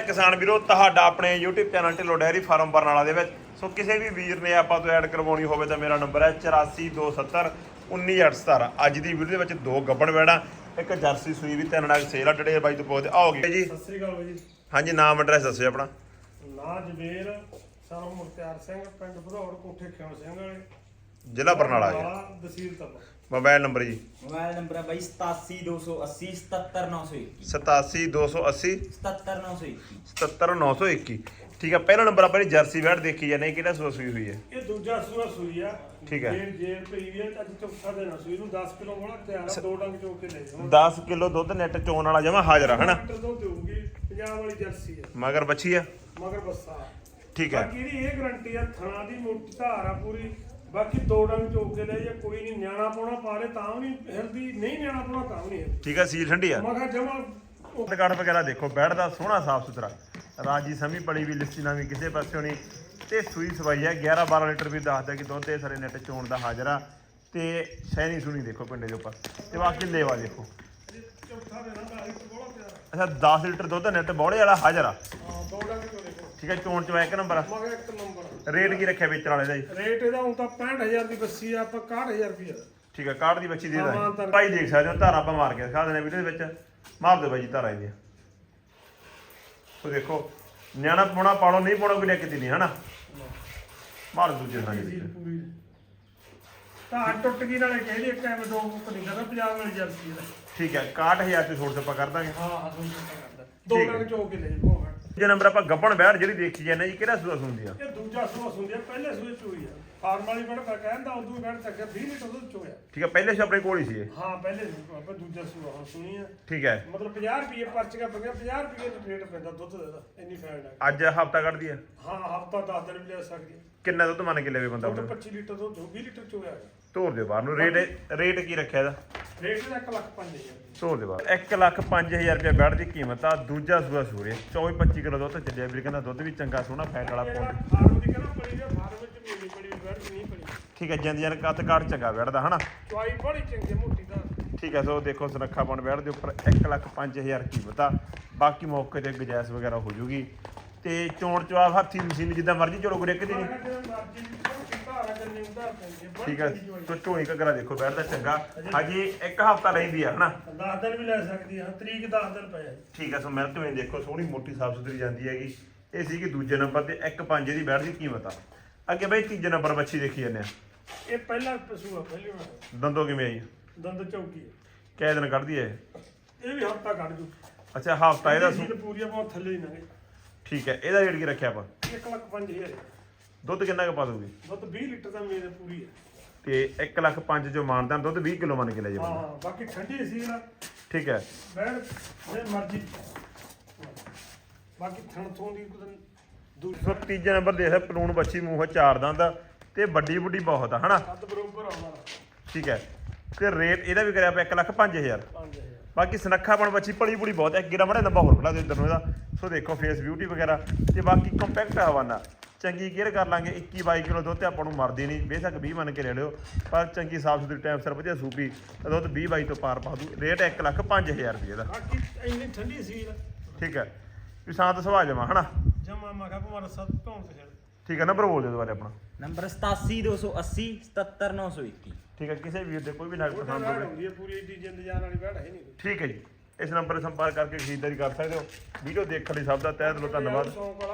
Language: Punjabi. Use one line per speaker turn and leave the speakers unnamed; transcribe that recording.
ਕਿਸਾਨ ਵੀਰੋ ਤੁਹਾਡਾ ਆਪਣੇ YouTube channel Dhillon dairy farm Barnala ਦੇ ਵਿੱਚ। ਸੋ ਕਿਸੇ ਵੀ ਵੀਰ ਨੇ ਆਪਾਂ ਤੋਂ ਐਡ ਕਰਵਾਉਣੀ ਹੋਵੇ ਤਾਂ ਮੇਰਾ ਨੰਬਰ ਹੈ 8427191817। ਅੱਜ ਦੀ ਵੀਡੀਓ ਦੇ ਵਿੱਚ ਦੋ ਗੱਬਣ ਵੈੜਾਂ, ਇੱਕ ਜਰਸੀ ਸੂਈ ਵੀ, ਤਿੰਨ ਨਾਗ ਸੇਲ ਆ। ਡਿਟੇਲ ਬਾਈ ਤੋਂ ਪੁੱਛਦੇ ਆਓਗੇ ਜੀ।
ਸਤਿ ਸ੍ਰੀ ਅਕਾਲ ਬਾਈ ਜੀ।
ਹਾਂਜੀ, ਨਾਮ ਐਡਰੈਸ ਦੱਸਿਓ ਆਪਣਾ।
ਨਾਂ ਜਵੇਰ ਸਰਵ ਮੁਖਤਿਆਰ ਸਿੰਘ, ਪਿੰਡ ਭਦੌੜ, ਕੋਠੇ ਖਿਉਣ ਸਿੰਘ ਵਾਲੇ,
ਜ਼ਿਲ੍ਹਾ ਬਰਨਾਲਾ ਜੀ।
ਤਹਿਸੀਲ ਤੱਕ।
ਮੋਬਾਈਲ ਨੰਬਰ ਜੀ?
ਮੋਬਾਈਲ ਨੰਬਰ ਹੈ ਬਾਈ 87280 77921
87280
77921
77921। ਠੀਕ ਹੈ, ਪਹਿਲਾ ਨੰਬਰ ਆਪਾਂ ਜਰਸੀ ਵੈੜ ਦੇਖੀ ਜਾਂਦੇ, ਕਿਹੜਾ ਸੂਆ ਸੂਈ ਹੋਈ ਹੈ?
ਇਹ ਦੂਜਾ ਸੂਆ ਸੂਈ ਆ।
ਠੀਕ ਹੈ।
ਜੇ ਪਈ ਵੀ ਅੱਜ ਚੌਥਾ ਦਿਨ ਸੂਈ ਨੂੰ 10 ਕਿਲੋ ਬੋਲਾ ਤਿਆਰ ਆ। ਦੋ ਡੰਗ ਚੋ ਕੇ ਲੈ ਜਾਓ।
10 ਕਿਲੋ ਦੁੱਧ ਨੈਟ ਚੋਣ ਵਾਲਾ ਜਮਾ ਹਾਜ਼ਰ ਆ ਹਨਾ।
ਲੀਟਰ ਦੁੱਧ ਦੇਊਗੀ। ਪੰਜਾਬ ਵਾਲੀ ਜਰਸੀ ਆ,
ਮਗਰ ਬੱਚੀ ਆ।
ਮਗਰ ਬੱਸਾ।
ਠੀਕ ਹੈ।
ਬਾਕੀ ਇਹਦੀ ਇਹ ਗਰੰਟੀ ਆ, ਥਣਾ ਦੀ ਮੋਟੀ ਧਾਰ ਆ ਪੂਰੀ। ਬਾਕੀ ਦੋ ਡੰਗ ਚੋ ਕੇ ਲੈ ਜਾ, ਕੋਈ ਨਹੀਂ। ਨਿਆਣਾ ਪਾਉਣਾ ਪਾ ਲੈ ਤਾਂ ਵੀ ਨਹੀਂ ਹਿਲਦੀ, ਨਹੀਂ ਨਿਆਣਾ ਪਾਉਣਾ ਤਾਂ ਵੀ ਨਹੀਂ ਹਿਲਦੀ।
ਠੀਕ ਹੈ, ਸੀਲ ਠੰਡੀ ਆ।
ਮੈਂ ਕਿਹਾ ਜਮਾ
ਕਾਰਡ ਵਗੈਰਾ ਦੇਖੋ, ਬੈਠ ਦਾ ਸੋਹਣਾ ਸਾਫ ਸੁਥਰਾ, ਰਾਜੀ ਸਮੀ ਪੜੀ ਵੀ, ਲਿਸੀ ਨਾ ਵੀ ਕਿਸੇ ਪਾਸਿਓਂ ਨਹੀਂ। ਤੇ ਸੂਈ ਸਵਾਈ ਹੈ 11-12 ਲੀਟਰ ਵੀ ਦੱਸਦਾ ਕਿ ਦੁੱਧ ਇਹ ਸਾਰੇ ਨੈਟ ਚੋਣ ਦਾ ਹਾਜ਼ਰ ਆ। ਤੇ ਸੈਣੀ ਸੁਣੀ ਦੇਖੋ ਪਿੰਡੇ ਦੇ ਉੱਪਰ, ਤੇ ਬਾਕੀ ਲੇਵਾ ਦੇਖੋ।
ਚੌਥਾ ਦਿਨ ਆ, 10 ਬੋਲਾ ਤਿਆਰ
ਅੱਛਾ, 10 ਲੀਟਰ ਦੁੱਧ ਨੈਟ ਬੌੜੇ ਵਾਲਾ ਹਾਜ਼ਰ ਆ।
ਆ। ਦੋ ਡੰਗ ਚੋ ਦੇਖੋ।
ਠੀਕ ਹੈ, ਚੋਣ ਚ ਇੱਕ ਨੰਬਰ ਆ।
ਮੈਂ ਕਿਹਾ ਇੱਕ ਨੰਬਰ।
ਰੇਟ ਕੀ ਰੱਖਿਆ ਵੇਚਣ ਵਾਲੇ ਦਾ ਜੀ?
ਰੇਟ ਇਹਦਾ ਹੁਣ ਤਾਂ 65000 ਦੀ ਬੱਸੀ ਆ, ਆਪਾਂ 61000 ਰੁਪਏ।
ਠੀਕ ਹੈ, ਕਾਰਡ ਦੀ ਬੱਚੀ ਦੇ
ਹਾਂ,
ਦਾਂ ਭਾਈ। ਦੇਖ ਸਕਦੇ ਹੋ ਧਾਰਾ ਆਪਾਂ ਮਾਰ ਕੇ ਦਿਖਾ ਦਿੰਦੇ ਵੀਡੀਓ ਦੇ ਵਿੱਚ। ਮਾਰ ਦਿਓ ਬਾਈ ਜੀ ਧਾਰਾ ਇਹਦੀ। ਉਹ ਦੇਖੋ, ਨਿਆਣਾ ਪਾਉਣਾ ਪਾਉਣਾ, ਨਹੀਂ ਪਾਉਣਾ ਕੋਈ ਦਿੱਕਤ ਨਹੀਂ ਹਨਾ। ਮਾਰ ਦੂਜੇ ਨਾਲ ਜੀ।
ਪੂਰੀ ਤਾਂ ਟੁੱਟ ਗਈ ਨਾਲੇ ਕਹਿੰਦੇ ਇੱਕ ਐਵੇਂ ਦੋ ਮੁੱਕ ਨਹੀਂ ਕਰਦਾ ਪੰਜਾਬ ਵਾਲੀ ਜਰਸੀ ਦਾ।
ਠੀਕ ਹੈ, 61000 ਤੇ ਛੋੜ ਤੇ ਆਪਾਂ ਕਰ ਦਾਂਗੇ।
ਹਾਂ ਹਾਂ, ਤੁਹਾਨੂੰ ਪਤਾ ਕਰਦਾ। ਦੋ
ਠੀਕ ਹੈ।
ਡੰਗ ਚੋ ਕੇ ਲੈ ਜਾਓ।
ਜੇ ਨੰਬਰ ਆਪਾਂ ਗੱਬਣ ਬੈੜ ਜਿਹੜੀ ਦੇਖੀ ਜਾਂਦੇ ਜੀ, ਕਿਹੜਾ ਸੂਆ ਸੁਣਦੀ ਆ?
ਇਹ ਦੂਜਾ ਸੂਆ ਸੁੰਦੀ ਆ, ਪਹਿਲੇ ਸੂਏ ਚੋਈ ਆ। ਫਾਰਮ ਵਾਲੀ ਬੜਾ ਕਹਿੰਦਾ ਉਦੋਂ ਬੈਠ ਤੱਕ 20 ਲੀਟਰ ਦੁੱਧ ਚੋਇਆ।
ਠੀਕ ਹੈ, ਪਹਿਲੇ ਸੇ ਆਪਣੇ ਕੋਲ ਹੀ ਸੀ ਇਹ।
ਹਾਂ, ਪਹਿਲੇ ਆਪਾਂ ਦੂਜਾ ਸੂਆ ਹੁਣ ਸੁਣੀ ਆ।
ਠੀਕ ਹੈ,
ਮਤਲਬ 50 ਰੁਪਏ ਪਰਚੀਆਂ ਪਈਆਂ, 50 ਰੁਪਏ ਦਾ ਰੇਟ ਪੈਂਦਾ ਦੁੱਧ ਦਾ, ਇੰਨੀ ਫੈਟ ਆ।
ਅੱਜ ਹਫਤਾ ਕੱਢਦੀ ਆ।
ਹਾਂ, ਹਫਤਾ 10 ਦਿਨ ਵੀ ਲੈ ਸਕਦੀ ਆ।
ਕਿੰਨਾ ਦੁੱਧ ਮੰਨ ਕੇ ਲੈਵੇ ਬੰਦਾ
ਦੁੱਧ
ਆਪਣੇ?
25 ਲੀਟਰ ਦੁੱਧ 20 ਲੀਟਰ ਚੋਇਆ।
ਤੋਰ ਦੇ ਬਾਹਰ ਨੂੰ। ਰੇਟ ਕੀ ਰੱਖਿਆ ਇਹਦਾ?
ਰੇਟ ਇਹਦਾ 1,05,000।
ਤੋਰ ਦੇ ਬਾਹਰ 1,05,000 ਰੁਪਏ ਬੈੜ ਦੀ ਕੀਮਤ ਆ। ਦੂਜਾ ਸੂਆ ਸੂਰੇ 24-25 ਕਿਲੋ ਦੁੱਧ ਚੱਲਿਆ ਵੀਰ ਕਹਿੰਦਾ। ਦੁੱਧ ਵੀ ਚੰਗਾ ਸੋਹਣਾ ਫੈਟ ਵਾਲਾ ਪਾਉਂਦਾ।
ਫਾਰਮ ਦੀ ਕਹਿੰਦਾ ਪੜੀ ਆ, ਫਾਰਮ ਵਿੱਚ ਮੇਰੀ ਪੜੀ ਬੈਠ ਨਹੀਂ ਪੜੀ।
ਠੀਕ ਹੈ, ਜਿੰਦ ਜਨ ਕੱਦ ਕਾਠ ਚੰਗਾ ਬੈੜ ਦਾ ਹਨਾ।
ਚੁਆਈ ਬੜੀ ਚੰਗੀ ਮੋਟੀ ਦਾ।
ਠੀਕ ਹੈ, ਸੋ ਦੇਖੋ ਸੁਨੱਖਾ ਪਾਉਣ ਬੈੜ ਦੇ ਉੱਪਰ 1,05,000 ਕੀਮਤ ਆ। ਬਾਕੀ ਮੌਕੇ ਤੇ ਗੁਜਾਇਸ਼ ਵਗੈਰਾ ਹੋ ਜੂਗੀ। ਤੇ ਚੋਣ ਚਵਾਬ ਹੱਥੀ ਮਸ਼ੀਨ ਜਿੱਦਾਂ ਮਰਜ਼ੀ ਚਲੋ ਗੁਰੇ ਕਿਤੇ ਨਹੀਂ। ਠੀਕ ਹੈ, ਸੋ ਝੋਣੀ ਘੱਗਰਾ ਦੇਖੋ ਬੈੜ ਦਾ ਚੰਗਾ। ਹਜੇ ਇੱਕ ਹਫਤਾ ਰਹਿੰਦੀ ਆ ਹਨਾ।
10 ਦਿਨ ਵੀ ਲੈ ਸਕਦੀ ਆ। ਤਰੀਕ 10 ਦਿਨ ਪਏ।
ਠੀਕ ਹੈ, ਸੋ ਮਿਹਨਤ ਵੀ ਦੇਖੋ ਸੋਹਣੀ ਮੋਟੀ ਸਾਫ ਸੁਥਰੀ ਜਾਂਦੀ ਹੈਗੀ। ਇਹ ਸੀ ਕਿ ਦੂਜੇ ਨੰਬਰ ਤੇ 1,05 ਦੀ ਬੈੜ ਦੀ ਕੀਮਤ ਆ। ਅੱਗੇ ਬਈ ਤੀਜੇ ਨੰਬਰ ਬੱਚੀ ਦੇਖੀ ਜਾਂਦੇ ਆ।
ਇਹ ਪਹਿਲਾ ਪਸ਼ੂ ਆ, ਪਹਿਲੀ ਵਾਰ।
ਦੰਦੋਂ ਕਿਵੇਂ ਆਈ?
ਦੰਦ ਚੌਕੀ ਆ।
ਕਿਹ ਦਿਨ ਕੱਢਦੀ ਹੈ
ਇਹ ਵੀ ਹਫਤਾ ਕੱਢ ਜੂ।
ਅੱਛਾ, ਹਫਤਾ ਇਹਦਾ
ਸੀਲ ਪੂਰੀ ਆ, ਬਹੁਤ ਥੱਲੇ ਹੀ ਨਾ ਗਏ।
ਠੀਕ ਹੈ, ਇਹਦਾ ਰੇਟ ਕੀ ਰੱਖਿਆ ਆਪਾਂ?
1,05,000।
ਦੁੱਧ ਕਿੰਨਾ ਕੁ ਪਾ ਦੂਗੀ?
ਦੁੱਧ 20 ਲੀਟਰ ਦਾ ਮੇਰੇ ਪੂਰੀ ਆ।
ਤੇ 1,05,000 ਜੋ ਮਾਨਦਾਨ ਦੁੱਧ 20 ਕਿਲੋ ਮੰਨ ਕੇ ਲੈ ਜਾਓ।
ਹਾਂ, ਬਾਕੀ ਠੰਡੀ ਸੀ ਨਾ।
ਠੀਕ ਹੈ,
ਬੈਠ ਜੇ ਮਰਜੀ। ਬਾਕੀ ਥਣ ਥੋਂ ਦੀ
ਸੋ ਤੀਜਾ ਨੰਬਰ ਦੇਖ ਪਲੂਣ ਬੱਚੀ, ਮੂੰਹ ਚਾਰ ਦੰਦ ਤੇ ਵੱਡੀ ਵੱਡੀ ਬਹੁਤ ਆ ਹਨਾ।
ਕੱਦ ਬਰੋਬਰ ਆਉਣਾ।
ਠੀਕ ਹੈ, ਤੇ ਰੇਟ ਇਹਦਾ ਵੀ ਕਰਿਆ ਆਪਾਂ 1,05,000।
5,000।
ਬਾਕੀ ਸੁਨੱਖਾਪਣ ਬੱਚੀ ਪਲੀ ਪੁਲੀ ਬਹੁਤ ਹੈ। ਗਿਰਾ ਮੜਾ ਨੰਬਰ ਹੋਰ ਖੜਾ ਦੇ ਇੱਧਰ ਨੂੰ ਇਹਦਾ। ਸੋ ਦੇਖੋ ਫੇਸ ਬਿਊਟੀ ਵਗੈਰਾ ਤੇ ਬਾਕੀ ਕੰਪੈਕਟ ਹਵਾਨਾ। ਚੰਗੀ ਕੇਅਰ ਕਰ ਲਾਂਗੇ। 21-22 ਕਿਲੋ ਦੁੱਧ ਤੇ ਆਪਾਂ ਨੂੰ ਮਰਦੀ ਨਹੀਂ। ਬੇਸ਼ੱਕ 20 ਮੰਨ ਕੇ ਲੈ ਲਿਓ, ਪਰ ਚੰਗੀ ਸਾਫ ਸੁਥਰੀ ਟਾਈਮ ਸਿਰ ਵਧੀਆ ਸੂਪੀ ਦੁੱਧ 20-22 ਤੋਂ ਪਾਰ ਪਾ ਦੂ। ਰੇਟ 1,05,000 ਰੁਪਏ ਦਾ।
ਬਾਕੀ ਇੰਨੀ ਠੰਡੀ ਸੀ।
ਠੀਕ ਹੈ, ਵੀ ਸ਼ਾਂਤ ਸੁਭਾਅ ਜਮਾ ਹਨਾ।
ਜਮਾ ਮੈਂ ਕਿਹਾ ਭਾਵੇਂ ਸਭ ਧੌਣ ਤੇ ਛੱਡ।
ਠੀਕ ਹੈ, ਨੰਬਰ ਬੋਲ ਦਿਓ ਦੁਬਾਰੇ ਆਪਣਾ।
ਨੰਬਰ 87280 77921।
ਠੀਕ ਹੈ, ਕਿਸੇ ਵੀਰ ਦੇ ਕੋਈ ਵੀ ਨਗ ਪਸੰਦ ਹੋਵੇ।
ਹੁੰਦੀ ਹੈ ਪੂਰੀ ਏਡੀ ਜਿੰਦ ਜਾਨ ਵਾਲੀ ਬੈਠ ਹੈ ਨਹੀਂ ਕੋਈ।
ਠੀਕ ਹੈ ਜੀ, ਇਸ ਨੰਬਰ 'ਤੇ ਸੰਪਰਕ ਕਰਕੇ ਖਰੀਦਦਾਰੀ ਕਰ ਸਕਦੇ ਹੋ। ਵੀਡੀਓ ਦੇਖਣ ਲਈ ਸਭ ਦਾ ਤਹਿ ਦਿਲੋਂ ਧੰਨਵਾਦ।
ਸ਼ੌਂਕ ਵਾਲਾ